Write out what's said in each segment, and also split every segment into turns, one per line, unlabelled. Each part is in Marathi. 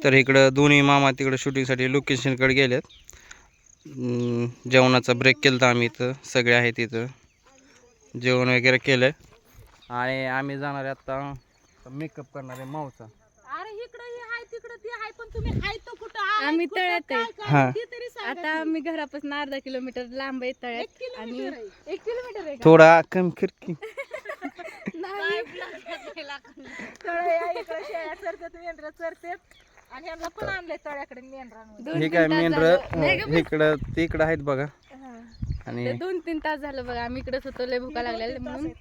तर इकडं दोन्ही मामा तिकडं शूटिंगसाठी लोकेशनकडे गेलेत. जेवणाचा ब्रेक केला आम्ही इथं, सगळे आहेत इथं, जेवण वगैरे केलं आणि आम्ही जाणार आहे आता मेकअप करणार आहे मावचा.
आम्ही तळ्यात
हा
आहे आता. आम्ही घरापासून अर्धा किलोमीटर लांब आहे तळ्यात. आणि 1 किलोमीटर आहे
थोडा कमी खिडकी
आणि ह्यांना पण आणलंय तळ्याकडे मेंढरा.
हे काय मेंढर इकडं तिकडं आहेत बघा. आणि
2-3 तास झालं बघा आम्ही इकडेच होतो. लय भुका लागलेल्या म्हणून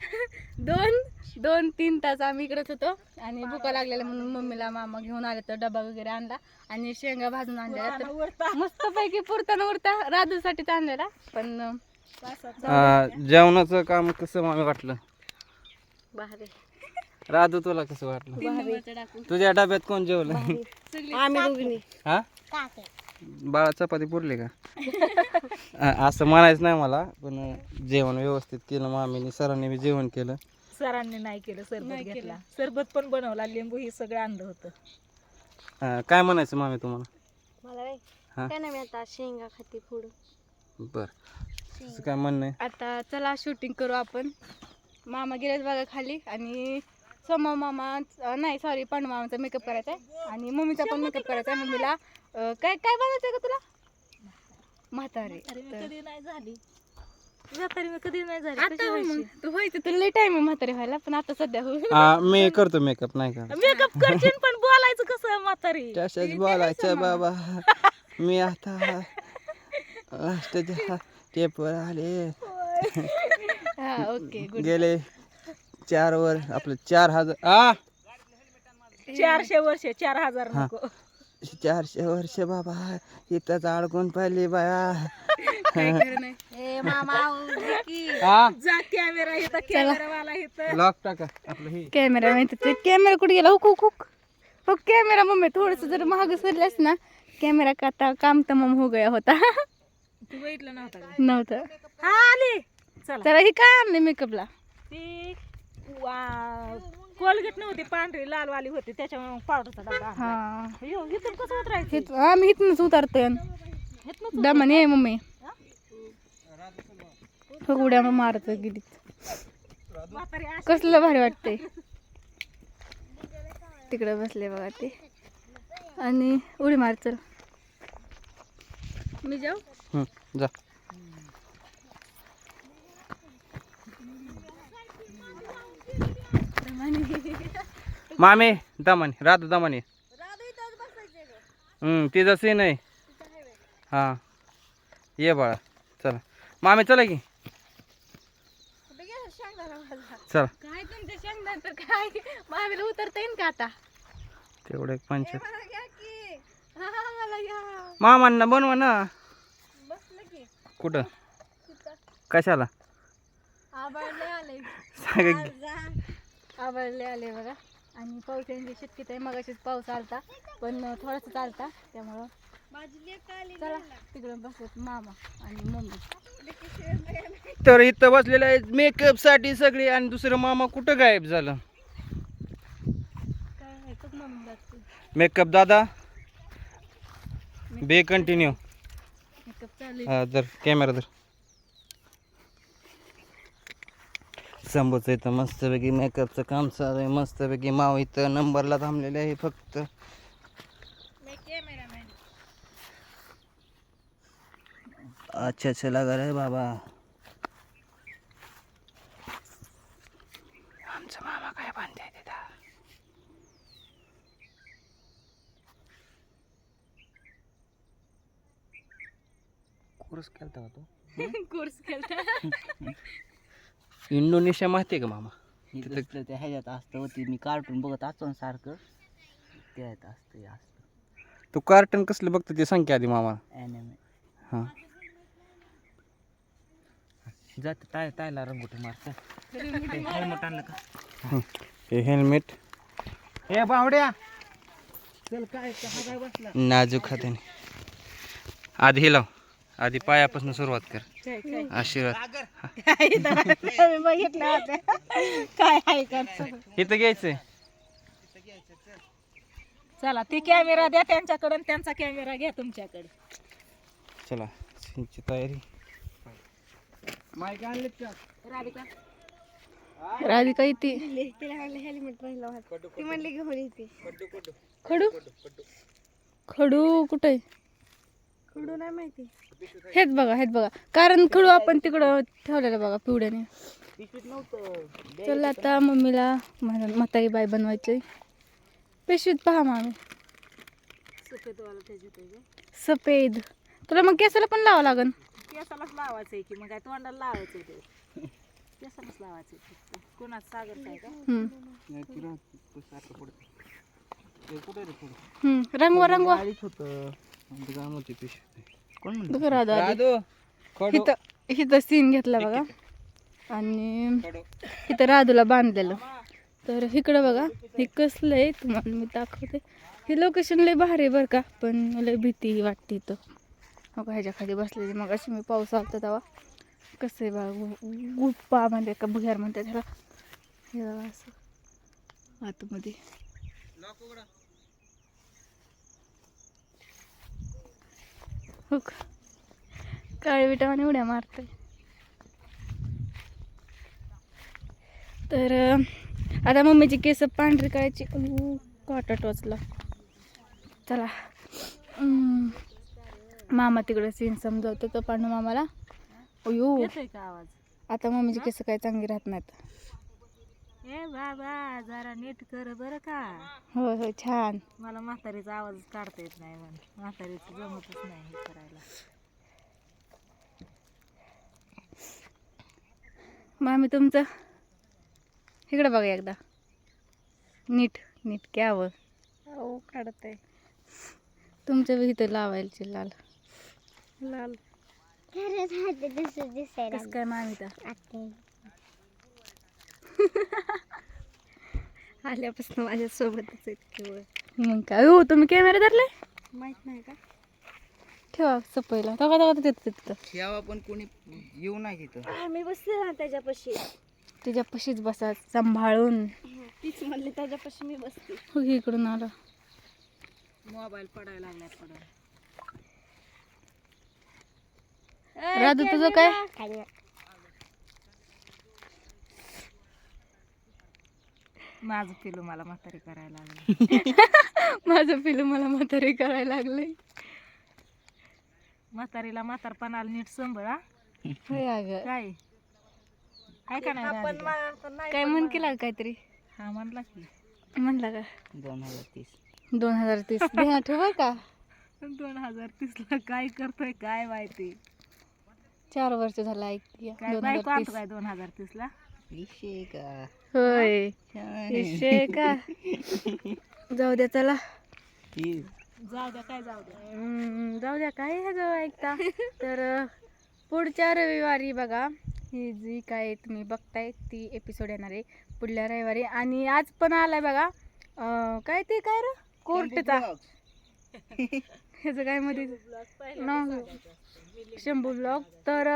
2-3 तास आम्ही इकडेच होतो आणि भुका लागलेल्या म्हणून मम्मीला मामा घेऊन आले तर डबा वगैरे आणला आणि शेंगा भाजून आणलेला. तर मस्त पैकी पुरताना उरता राजूसाठीच आणलेला. पण
जेवणाचं काम कसं मला वाटलं
भारी.
राजू तुला कसं वाटलं? तुझ्या डब्यात कोण जेवलं?
आम्ही दोघींनी.
हा बाळा चपाती पुरली का? असं म्हणायचं नाही मला, पण जेवण व्यवस्थित केलं मामीने. सरांनी बी जेवण केलं.
सरांनी नाही केलं, सरबत घेतला. सरबत पण बनवला, लिंबू ही सगळं आणलं होतं.
काय म्हणायचं मामी तुम्हाला?
मला काय नाही, आता शेंगा खाती पुढं.
बर काय म्हणणं आहे?
आता चला शूटिंग करू आपण. मामा गेलेत बघा खाली आणि सोमा मामा नाही सॉरी पांडू मामाचा मेकअप करायचा आहे आणि मम्मीचा पण मेकअप करायचा आहे. मम्मीला काय काय बनायचं का तुला? म्हातारी
कधी नाही झाली, म्हातारी कधी नाही झाली.
आता मग तू व्हायचं तुला लई टाइम आहे म्हातारी व्हायला, पण आता सध्या
मी करतो मेकअप, नाही का?
मेकअप करशील पण बोलायचं कसं म्हातारी?
तसंच बोलायचं बाबा. मी आता टेपवर आले.
हा ओके गुड.
गेले 4 वर आपलं 4000
400 वर्ष 4000 नको.
400 वर्ष बाबा इथंच अडकून पाहिली बाया.
जा कॅमेरा इथं, कॅमेरावाला इथं.
लॉक टाका आपलं. हे
कॅमेरा माहिती कॅमेरा कुठे गेला? हुक हुक हुक हो कॅमेरा. मम्मी थोडस जर महाग सरल्यास ना कॅमेरा का काम तमाम हो गया होता.
तू बघितलं नव्हतं का?
नव्हतं.
हा आली. चला
चला ही काय आणले मेकअपला?
ती कोलगेट नव्हती, पांढरी लालवाली होती, त्याच्यामुळे पावडरचा डबा आणला.
हा
इथून कसं उतरायचं?
आम्ही इथूनच उतरतोय दमाने आहे मम्मी. उड्या मारत गेली. कसलं भारी वाटतंय. तिकडे बसले बघा ते आणि उडी मार. चल मी जाऊ.
जा. मामे दमाने, राधू दमाने. तिचा सीन आहे. हा ये बाळा चला. मामे चला की. चला
काय तुमच्या शेंगदाण तर काय मामीला उतरता येईन का आता?
तेवढं एक 5. मामांना बनवा ना. कुठं कशाला?
आबाळले आले
सांग.
आबाळले आले बघा. आणि पावसाची शक्यता आहे. मगाशीच पाऊस आलता पण थोडासा चालता, त्यामुळं चला तिकडं बसत मामा आणि मम्मी.
तर इथं बसलेलं आहे मेकअप साठी सगळी, आणि दुसरं मामा कुठं गायब झालं?
काय आहे खूप मम्मी लागते.
मेकअप दादा बे कंटिन्यू.
मेकअप चालू
हा तर कॅमेरा धर. संभूचं इथं मस्तपैकी मेकअपचं काम चालू आहे. मस्तपैकी माव इथं नंबरला थांबलेले आहे फक्त. अच्छा लगा रे बाबा. आमचा मामा काय बांधते तिथं. कोर्स केलता का तो?
कोर्स केला.
इंडोनेशिया माहिती आहे का मामा?
तिथं ते ह्याच्यात असतं होती. मी कार्टून बघत असतो ना सारखं, त्यात असतं असतं.
तू कार्टन कसलं बघतो ते सांग की आधी मामा.
ॲनिमे.
हां
जात तायला रंगोटी मारतं. हेल्मेट आणलं का?
हे हेल्मेट
ए बावड्या चल. काय काय बसला
नाजूक हाताने. आधी हे लाव, आधी पायापासून सुरुवात कर. आशीर्वाद
बघितलं होतं काय आहे का?
इथं घ्यायचंय.
चला ते कॅमेरा द्या त्यांच्याकडे आणि त्यांचा कॅमेरा घ्या तुमच्याकडे.
चला सीनची तयारी.
राधिका
राधिका येते. खडू खडू कुठे? खडू नाही माहिती. हेच बघा कारण खडू आपण तिकडं ठेवलेलं बघा पिवड्याने. चला आता मम्मीला म्हातारी बाई बनवायची. पिशवीत पहा मामी सफेद. तुला मग केसाला पण लावा लागन.
केसालाच लावायचंय की मग काय तोंडाला लावायचंय ते. केसालाच लावायचंय फक्त. कोणाच सागर काय का?
रंगवा
कोण
बघा राधू इथं सीन घेतला बघा आणि इथं राधूला बांधलेलं. तर इकडं बघा हे कसलं आहे तुम्हाला मी दाखवते. हे लोकेशन लय भारी आहे बरं का, पण लय भीती वाटते इथं. मग ह्याच्या खाली बसलेली मग अशी मी पाऊस आलता तेव्हा. कसं आहे बघा गुप्पा म्हणते का भुयार म्हणते त्याला. हे बघा असं आतमध्ये. हो का काळी विटावाने उड्या मारते. तर आता मम्मीची केस पांढरी करायची. काटा टोचला. चला मामा तिकडे सीन समजवतो तो पांडू मामाला. अयो
येतोय का आवाज?
आता मम्मीची केस काय चांगली राहत नाहीत.
ए बाबा जरा नीट कर बरं का.
होय होय छान.
मला म्हातारीचा आवाज काढता येत नाही म्हणून म्हातारीचं जमतच नाही हे करायला.
मामी तुमचं इकडे बघा एकदा नीट नीट घ्यावं.
हो काढत आहे.
तुमच्या बी इथं लावायचे लाल
लाल
कसं काय मामी तर
आल्यापासून माझ्या सोबतच आहेत केवळ.
मग काय हो तुम्ही कॅमेरा धरले
माहित नाही का?
ठेवा सपयला तेव्हा तिथं
ठेवा पण कोणी येऊ नाही तिथं.
आम्ही बसले ना त्याच्यापाशी.
तुझ्या पशीच बसा सांभाळून.
तीच म्हणली त्याच्यापाशी मी बसते.
हो इकडून आला.
मोबाईल पडायला लागला पडायला.
राधू तुझं काय?
माझं पिलू मला म्हातारी करायला लागलं.
माझं पिलू मला म्हातारी करायला लागलंय.
म्हातारीला म्हातारपणाला नीट सांभाळा.
होय अगं
काय आहे का नाही राधिका?
काय म्हण केला काहीतरी
हा म्हणला की
म्हणला का
2030.
2030 ध्यानात ठेवा का.
2030 ला काय करतोय काय माहिती.
4 वर्ष झालं ऐकते
काय बायको आणतो काय 2030 ला.
विषय का
होय विषय का. जाऊ द्या चला
जाऊ द्या काय जाऊ द्या.
जाऊ द्या काय ह्याचं ऐकता. तर पुढच्या रविवारी बघा ही जी काय तुम्ही बघताय ती एपिसोड येणार आहे पुढल्या रविवारी. आणि आज पण आलाय बघा काय ते काय र कोर्टचा ह्याचं काय मध्ये नाव शंभू ब्लॉग. तर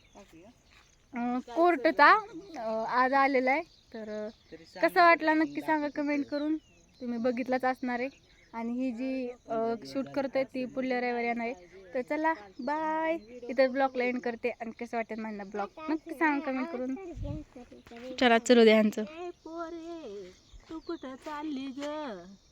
कोर्टचा आज आलेला आहे. तर कसा वाटला नक्की सांगा कमेंट करून. तुम्ही बघितलाच असणार आहे. आणि ही जी शूट करतोय ती पुढल्या रविवारी येणार आहे. तर चला बाय. इथं ब्लॉगला एंड करते. आणि कसं वाटेल माझा ब्लॉग नक्की सांगा कमेंट करून. चला चलू द्या ह्यांचं.
पोरे तू कुठं चालली ग.